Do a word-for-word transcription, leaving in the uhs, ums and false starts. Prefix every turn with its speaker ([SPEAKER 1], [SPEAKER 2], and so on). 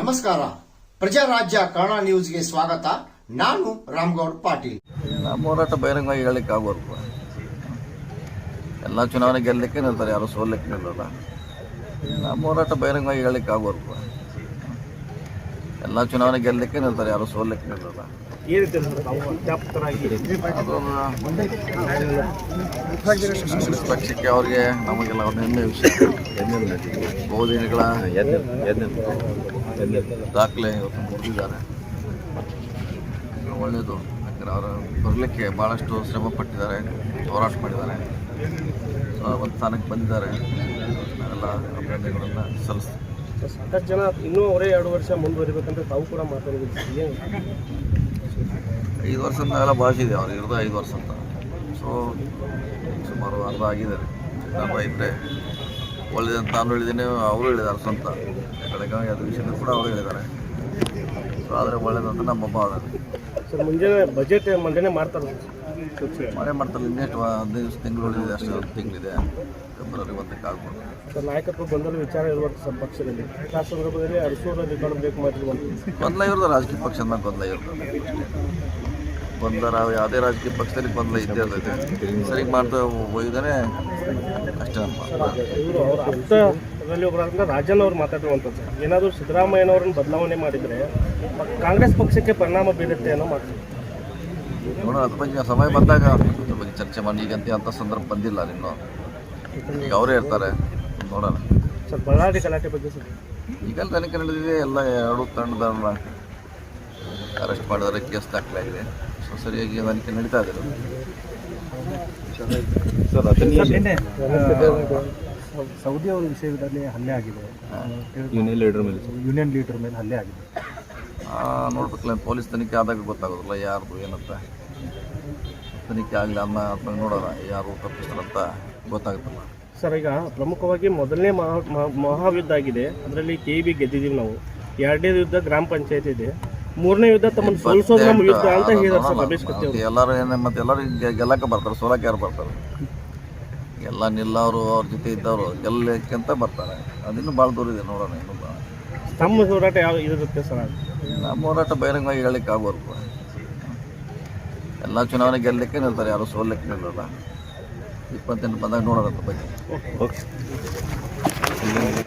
[SPEAKER 1] ನಮಸ್ಕಾರ. ಪ್ರಜಾರಾಜ್ಯ ಕನ್ನಡ ನ್ಯೂಸ್ಗೆ ಸ್ವಾಗತ. ನಾನು ರಾಮಗೌಡ ಪಾಟೀಲ್.
[SPEAKER 2] ನಮ್ಮ ಹೋರಾಟ ಬಹಿರಂಗವಾಗಿ ಹೇಳಲಿಕ್ಕೆ ಆಗೋರು. ಎಲ್ಲ ಚುನಾವಣೆ ಗೆಲ್ಲಲಿಕ್ಕೆ ನಿಲ್ತಾರೆ, ಯಾರು ಸೋಲಿಕ್ಕೆ ನಿಲ್ಲಲ್ಲ. ನಮ್ಮ ಹೋರಾಟ ಬಹಿರಂಗವಾಗಿ ಹೇಳಲಿಕ್ಕೆ ಆಗೋರು. ಎಲ್ಲ ಚುನಾವಣೆ ಗೆಲ್ಲಲಿಕ್ಕೆ ನಿಲ್ತಾರೆ, ಯಾರು ಸೋಲಿಕ್ಕೆ ನಿಲ್ಲಲ್ಲ. ಕಾಂಗ್ರೆಸ್ ಪಕ್ಷಕ್ಕೆ ಅವ್ರಿಗೆ ನಮಗೆಲ್ಲ ಒಂದು ಹೆಮ್ಮೆ ವಿಷಯ. ಬಹುದಿನಗಳ ದಾಖಲೆ ಇವತ್ತು ಮುಗಿದಿದ್ದಾರೆ. ಒಳ್ಳೆಯದು. ಯಾಕಂದರೆ ಅವರು ಬರಲಿಕ್ಕೆ ಭಾಳಷ್ಟು ಶ್ರಮ ಪಟ್ಟಿದ್ದಾರೆ, ಹೋರಾಟ ಮಾಡಿದ್ದಾರೆ, ಒಂದು ಸ್ಥಾನಕ್ಕೆ ಬಂದಿದ್ದಾರೆ. ನಾವೆಲ್ಲ ಅಭಿನಂದನೆಗಳನ್ನು ಸಲ್ಲಿಸ್ತೀವಿ.
[SPEAKER 3] ಸಾಕಷ್ಟು ಜನ ಇನ್ನೂ ಅವರೇ ಎರಡು ವರ್ಷ ಮುಂದುವರಿಬೇಕಂತ ತಾವು ಕೂಡ ಮಾತಾಡಿದ್ದೀವಿ.
[SPEAKER 2] ಐದು ವರ್ಷ ನಾವೆಲ್ಲ ಭಾಷಿದೆ, ಅವ್ರು ಇರೋದು ಐದು ವರ್ಷ ಅಂತ. ಸೊ ಸುಮಾರು ಅರ್ಧ ಆಗಿದ್ದಾರೆ. ನಮ್ಮ ಇದ್ದರೆ ಒಳ್ಳೆಯದಂತ ನಾನು ಹೇಳಿದ್ದೀನಿ, ಅವರು ಹೇಳಿದ್ದಾರೆ ಸ್ವಂತ. ಕಡೆಗಾಗಿ ಅದು ವಿಷಯದಲ್ಲಿ ಕೂಡ ಅವರು ಹೇಳಿದ್ದಾರೆ. ಸೊ ಆದರೆ ಒಳ್ಳೆಯದಂತ ನಮ್ಮ ಭಾವನೆ.
[SPEAKER 3] ಸರ್, ಮುಂಜಾನೆ ಬಜೆಟ್ ಮಂಡನೆ ಮಾಡ್ತಾರೆ,
[SPEAKER 2] ಮನೆ ಮಾಡ್ತಾರೆ. ಇನ್ನೆಷ್ಟು ಹದಿನೈದು ದಿವಸ ತಿಂಗಳು ಉಳಿದಿದೆ, ಅಷ್ಟು ಒಂದು ತಿಂಗಳಿದೆ. ಫೆಬ್ರವರಿ ಒಂದಕ್ಕೆ ಆಗ್ಬೋದು.
[SPEAKER 3] ಸರ್, ನಾಯಕತ್ವ ಬಂದರೂ ವಿಚಾರ ಇರುವಂಥ ಸರ್ ಪಕ್ಷದಲ್ಲಿ ಆ ಸಂದರ್ಭದಲ್ಲಿ ಅರಸೂರು ರೆಕಾರ್ಡ್ ಬೇಕು ಮಾಡಿರುವಂಥ
[SPEAKER 2] ಗೊಂದಲ ಇರೋದು ರಾಜಕೀಯ ಪಕ್ಷದ ಮೇಲೆ ಗೊಂದಲ ಇರ್ತದೆ. ಗೊಂದಲ ಯಾವುದೇ ರಾಜಕೀಯ ಪಕ್ಷದಲ್ಲಿ ಗೊಂದಲ ಇದ್ದೇ ಇರ್ತೈತೆ. ಸರಿ ಮಾಡ್ತಾ ಹೋಗಿದ್ದಾನೆ ಅಷ್ಟೇ.
[SPEAKER 3] ಇವರು ಅವರ ಹತ್ತರಲ್ಲಿ ಒಬ್ಬರಾದ ರಾಜನ್ ಅವ್ರು ಮಾತಾಡಿರುವಂಥದ್ದು ಏನಾದರೂ ಸಿದ್ದರಾಮಯ್ಯನವ್ರನ್ನ ಬದಲಾವಣೆ ಮಾಡಿದರೆ ಕಾಂಗ್ರೆಸ್ ಪಕ್ಷಕ್ಕೆ ಪರಿಣಾಮ ಬೀರುತ್ತೆ ಅನ್ನೋ ಮಾತು.
[SPEAKER 2] ನೋಡೋಣ, ಅದ್ರ ಬಗ್ಗೆ ಸಮಯ ಬಂದಾಗ ಅದ್ರ ಬಗ್ಗೆ ಚರ್ಚೆ ಮಾಡಿ. ಈಗಂತ ಅಂಥ ಸಂದರ್ಭ ಬಂದಿಲ್ಲ ಇನ್ನೂ. ಈಗ ಅವರೇ ಇರ್ತಾರೆ, ನೋಡೋಣ.
[SPEAKER 3] ಸರ್, ಬಳ್ಳಾರಿ ಗಲಾಟೆ ಬಗ್ಗೆ ಸರ್
[SPEAKER 2] ಈಗಲ್ಲ ತನಿಖೆ ನಡೆದಿದೆ. ಎಲ್ಲ ಎರಡು ತಂಡದವ್ರನ್ನ ಅರೆಸ್ಟ್ ಮಾಡಿದರೆ, ಕೇಸ್ ದಾಖಲಾಗಿದೆ. ಸೊ ಸರಿಯಾಗಿ ತನಿಖೆ ನಡೀತಾ ಇದೆ.
[SPEAKER 4] ಸರ್, ಅದನ್ನೇ ಸೌದಿ ಅವರ ವಿಷಯದಲ್ಲಿ ಹಲ್ಲೆ ಆಗಿದೆ. ಯೂನಿಯನ್ ಲೀಡರ್ ಮೇಲೆ ಯೂನಿಯನ್ ಲೀಡರ್ ಮೇಲೆ ಹಲ್ಲೆ ಆಗಿದೆ.
[SPEAKER 2] ನೋಡ್ಬೇಕಲ್ಲ, ಪೊಲೀಸ್ ತನಿಖೆ ಆದಾಗ ಗೊತ್ತಾಗೋದಿಲ್ಲ ಯಾರ್ದು ಏನಂತ. ತನಿಖೆ ಆಗಲಿ ಅನ್ನ ನೋಡೋಣ, ಯಾರು ತಪ್ಪಿಸ್ತಾರಂತ ಗೊತ್ತಾಗುತ್ತಲ್ಲ.
[SPEAKER 3] ಸರ್, ಈಗ ಪ್ರಮುಖವಾಗಿ ಮೊದಲನೇ ಮಹಾ ಮಹಾಯುದ್ಧ ಆಗಿದೆ. ಅದರಲ್ಲಿ ಕೆ ಬಿ ಗೆದ್ದಿದ್ದೀವಿ ನಾವು. ಎರಡನೇ ಯುದ್ಧ ಗ್ರಾಮ ಪಂಚಾಯತ್ ಇದೆ. ಮೂರನೇ ಯುದ್ಧ ತಮ್ಮನ್ನು ಸೋಲಿಸೋದು ನಮ್ಮ ಯುದ್ಧ ಅಂತ ಹೇಳಿದ್ದಾರೆ ಸರ್ ರಮೇಶ್ ಕತ್ತಿ ಅವರು.
[SPEAKER 2] ಎಲ್ಲರೂ ಏನೇ ಮತ್ತೆ ಎಲ್ಲರೂ ಗೆಲ್ಲಕ್ಕೆ ಬರ್ತಾರೆ, ಸೋಲಕ್ಕೆ ಯಾರು ಬರ್ತಾರೆ? ಎಲ್ಲ ನಿಲ್ಲವರು ಅವ್ರ ಜೊತೆ ಇದ್ದವರು ಗೆಲ್ಲಕ್ಕಿಂತ ಬರ್ತಾರೆ. ಅದಿನ್ನೂ ಭಾಳ ದೂರ ಇದೆ, ನೋಡೋಣ. ಇನ್ನೂ
[SPEAKER 3] ನಮ್ಮ ಹೋರಾಟ ಯಾವ ಇರುತ್ತೆ ಸರ್?
[SPEAKER 2] ನಮ್ಮ ಹೋರಾಟ ಬಹಿರಂಗವಾಗಿ ಹೇಳಲಿಕ್ಕೆ ಆಗೋರು. ಎಲ್ಲ ಚುನಾವಣೆ ಗೆಲ್ಲಲಿಕ್ಕೆ ನಿಲ್ತಾರೆ, ಯಾರು ಸೋಲಕ್ಕೆ ನಿಲ್ಲಲ್ಲ. ಇಪ್ಪತ್ತೆಂಟು ಬಂದಾಗ ನೋಡೋಣ ಬಗ್ಗೆ.